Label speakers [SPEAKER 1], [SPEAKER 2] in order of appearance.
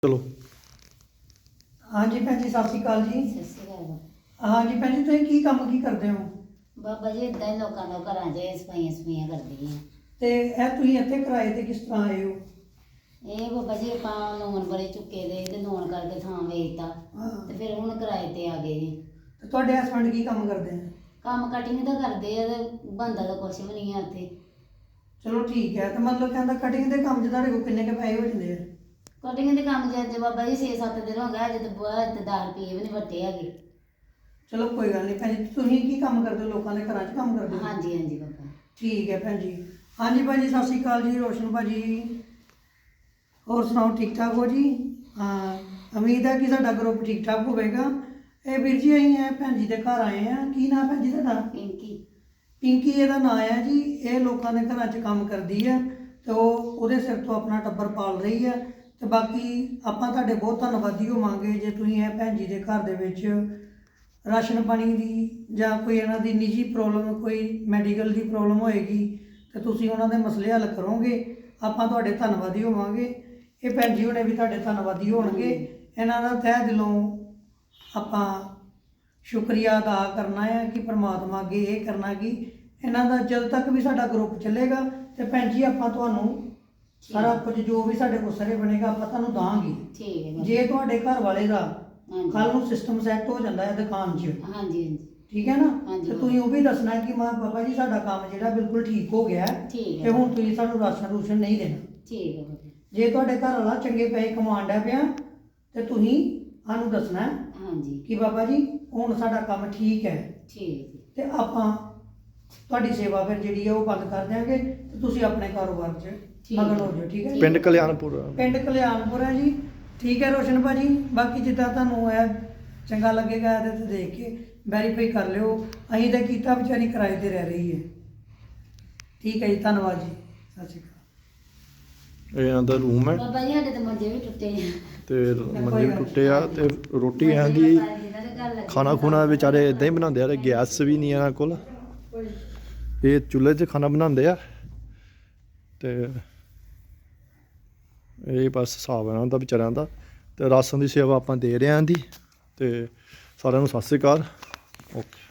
[SPEAKER 1] चलो
[SPEAKER 2] हाँ जी भैन जी सत श्री अकाल जी।
[SPEAKER 3] सत श्री अकाल
[SPEAKER 2] हाँ जी भैन जी तुम की काम की करते हो?
[SPEAKER 3] बाबा जी इदा ही लोगों का घर च सफाइयां सफाइयां करदी हैं।
[SPEAKER 2] ते ए तुसीं इत्थे किराए ते किस तरह आए हो?
[SPEAKER 3] ਇਹ ਬਾਬਾ ਜੀ ਆਪਾਂ ਲੋਨ ਬੜੇ ਚੁੱਕੇ ਦੇ ਤੇ ਲੋਨ ਕਰਕੇ ਥਾਂ ਵੇਚਤਾ
[SPEAKER 2] हाँ
[SPEAKER 3] ਤੇ ਫਿਰ ਹੁਣ ਕਿਰਾਏ ਤੇ ਆ ਗਏ ਜੀ।
[SPEAKER 2] ते तुहाडे हस्बैंड की काम करते हैं?
[SPEAKER 3] ਕੰਮ ਕਟਿੰਗ ਦਾ ਕਰਦੇ ਆ ਤੇ ਬੰਦਾ ਤਾਂ ਕੁਛ ਵੀ ਨਹੀਂ ਆ ਉੱਥੇ।
[SPEAKER 2] चलो ठीक है। तो मतलब कहता कटिंग के काम च तुहाडे कोल किन्ने के पैसे हो जांदे आ?
[SPEAKER 3] ਕਟਿੰਗ ਦੇ ਕੰਮ ਜਦ ਬਾਬਾ ਜੀ 6-7 ਦਿਨ ਹੋ गए अज तो बहुत 10 रुपये भी नहीं वटे हैगे।
[SPEAKER 2] चलो कोई गल नहीं भैन जी। तुसीं की काम करते हो? लोकां दे घरां च काम करदे हो?
[SPEAKER 3] हाँ जी हाँ जी बाबा।
[SPEAKER 2] ठीक है भैन जी। हाँ जी भाजी सत श्री अकाल जी। रोशन भाजी और सुनाओ ठीक ठाक हो जी? हाँ उम्मीद है कि साडा ग्रुप ठीक ठाक होवेगा। ਇਹ ਵੀਰ ਜੀ ਅਸੀਂ ਹੈ ਭੈਣ ਜੀ ਦੇ ਘਰ ਆਏ ਆ। ਕੀ ਨਾਮ ਭੈਣ ਜੀ ਤੁਹਾਡਾ?
[SPEAKER 3] पिंकी
[SPEAKER 2] ਪਿੰਕੀ ਇਹਦਾ ਨਾਂ ਹੈ ਜੀ। ਇਹ ਲੋਕਾਂ ਦੇ ਘਰਾਂ 'ਚ ਕੰਮ ਕਰਦੀ ਆ ਤੇ ਉਹਦੇ ਸਿਰ ਤੋਂ ਆਪਣਾ ਟੱਬਰ ਪਾਲ ਰਹੀ ਆ। ਤੇ ਬਾਕੀ ਆਪਾਂ ਤੁਹਾਡੇ ਬਹੁਤ ਧੰਨਵਾਦੀ ਹੋਵਾਂਗੇ ਜੇ ਤੁਸੀਂ ਇਹ ਭੈਣ ਜੀ ਦੇ ਘਰ ਦੇ ਵਿੱਚ ਰਾਸ਼ਨ ਪਾਣੀ ਦੀ ਜਾਂ ਕੋਈ ਇਹਨਾਂ ਦੀ ਨਿੱਜੀ ਪ੍ਰੋਬਲਮ ਕੋਈ ਮੈਡੀਕਲ ਦੀ ਪ੍ਰੋਬਲਮ ਹੋਏਗੀ ਤੇ ਤੁਸੀਂ ਉਹਨਾਂ ਦੇ ਮਸਲੇ ਹੱਲ ਕਰੋਗੇ। ਆਪਾਂ ਤੁਹਾਡੇ ਧੰਨਵਾਦੀ ਹੋਵਾਂਗੇ। ਇਹ ਭੈਣ ਜੀ ਹੁਣੇ ਵੀ ਤੁਹਾਡੇ ਧੰਨਵਾਦੀ ਹੋਣਗੇ। ਇਹਨਾਂ ਦਾ ਤਹਿ ਦਿਲੋਂ ਆਪਾਂ ਸ਼ੁਕਰੀਆ ਅਦਾ ਕਰਨਾ ਹੈ ਕਿ ਪ੍ਰਮਾਤਮਾ ਅੱਗੇ ਇਹ ਕਰਨਾ ਕਿ ਇਹਨਾਂ ਦਾ ਜਦ ਤੱਕ ਵੀ ਸਾਡਾ ਗਰੁੱਪ ਚੱਲੇਗਾ ਤੇ ਭੈਣ ਜੀ ਆਪਾਂ ਤੁਹਾਨੂੰ ਸਾਰਾ ਕੁਝ ਜੋ ਵੀ ਸਾਡੇ ਕੋਲ ਸਰੇ ਬਣੇਗਾ ਆਪਾਂ ਤੁਹਾਨੂੰ ਦਾਂਗੇ।
[SPEAKER 3] ठीक है बाबा।
[SPEAKER 2] ਜੇ ਤੁਹਾਡੇ ਘਰ ਵਾਲੇ ਦਾ
[SPEAKER 3] हाँ जी
[SPEAKER 2] ਕੱਲ ਨੂੰ ਸਿਸਟਮ ਸੈੱਟ ਹੋ ਜਾਂਦਾ ਹੈ ਦੁਕਾਨ 'ਚ,
[SPEAKER 3] हाँ जी हाँ जी
[SPEAKER 2] ਠੀਕ ਹੈ ਨਾ,
[SPEAKER 3] ਹਾਂਜੀ।
[SPEAKER 2] ਤੇ ਤੁਸੀਂ ਉਹ ਵੀ ਦੱਸਣਾ ਕਿ ਮਾਂ ਬਾਬਾ ਜੀ ਸਾਡਾ ਕੰਮ ਜਿਹੜਾ ਬਿਲਕੁਲ ਠੀਕ ਹੋ ਗਿਆ ਹੈ
[SPEAKER 3] ठीक
[SPEAKER 2] ਤੇ
[SPEAKER 3] है
[SPEAKER 2] ਹੁਣ ਤੁਸੀਂ ਸਾਨੂੰ ਰਾਸ਼ਨ ਰੂਸ਼ਨ ਨਹੀਂ ਦੇਣਾ।
[SPEAKER 3] ठीक है बाबा।
[SPEAKER 2] ਜੇ ਤੁਹਾਡੇ ਘਰ ਵਾਲਾ ਚੰਗੇ ਪੈਸੇ ਕਮਾਉਣ ਡਿਆ ਪਿਆ ਤੇ ਤੁਸੀਂ ਸਾਨੂੰ ਦੱਸਣਾ ਹੈ
[SPEAKER 3] हाँ जी
[SPEAKER 2] ਕਿ ਬਾਬਾ ਜੀ ਹੁਣ ਸਾਡਾ ਕੰਮ ਠੀਕ ਹੈ
[SPEAKER 3] ठीक है
[SPEAKER 2] ਤੇ ਆਪਾਂ ਤੁਹਾਡੀ ਸੇਵਾ ਫਿਰ ਜਿਹੜੀ ਹੈ ਉਹ ਬੰਦ ਕਰ ਦਿਆਂਗੇ ਤੇ ਤੁਸੀਂ ਆਪਣੇ ਕਾਰੋਬਾਰ 'ਚ
[SPEAKER 3] ਠੀਕ
[SPEAKER 2] ਮਗਨ ਹੋ ਜਾਓ। ਠੀਕ ਹੈ
[SPEAKER 1] पिंड कल्याणपुर
[SPEAKER 2] ਪਿੰਡ ਕਲਿਆਣਪੁਰ ਹੈ ਜੀ। ਠੀਕ ਹੈ ਰੋਸ਼ਨ ਭਾਜੀ। ਬਾਕੀ ਜਿੱਦਾਂ ਤੁਹਾਨੂੰ ਇਹ ਚੰਗਾ ਲੱਗੇਗਾ ਇਹਦੇ ਤੇ ਦੇਖ ਕੇ ਵੈਰੀਫਾਈ ਕਰ ਲਿਓ। ਅਸੀਂ ਤਾਂ ਕੀਤਾ ਵਿਚਾਰੀ ਕਿਰਾਏ ਤੇ ਰਹਿ ਰਹੀ ਹੈ। ਠੀਕ ਹੈ ਜੀ ਧੰਨਵਾਦ ਜੀ। ਸਤਿ ਸ਼੍ਰੀ ਅਕਾਲ।
[SPEAKER 1] ਇਹ ਇਹਨਾਂ ਦਾ ਰੂਮ ਹੈ
[SPEAKER 3] ਬਾਬਾ ਜੀ ਸਾਡੇ ਤੇ ਮੰਜੇ ਵੀ ਟੁੱਟੇ ਨੇ।
[SPEAKER 1] ਤੇ ਮੰਜੇ ਵੀ ਟੁੱਟੇ ਆ ਤੇ ਰੋਟੀ ਇਹਨਾਂ ਦੀ ਖਾਣਾ ਖੁਣਾ ਵਿਚਾਰੇ ਇਦਾਂ ਹੀ ਬਣਾਉਂਦੇ ਆ ਤੇ ਗੈਸ ਵੀ ਨਹੀਂ ਇਹਨਾਂ ਕੋਲ। ਇਹ ਚੁੱਲ੍ਹੇ 'ਚ ਖਾਣਾ ਬਣਾਉਂਦੇ ਆ ਤੇ ਇਹ ਬਸ ਹਿਸਾਬ ਹੈ ਇਹਨਾਂ ਦਾ ਵਿਚਾਰਿਆਂ ਦਾ। ਤੇ ਰਾਸ਼ਨ ਦੀ ਸੇਵਾ ਆਪਾਂ ਦੇ ਰਹੇ ਆਂ ਦੀ। ਤੇ ਸਾਰਿਆਂ ਨੂੰ ਸਤਿ ਸ਼੍ਰੀ ਅਕਾਲ। ਓਕੇ।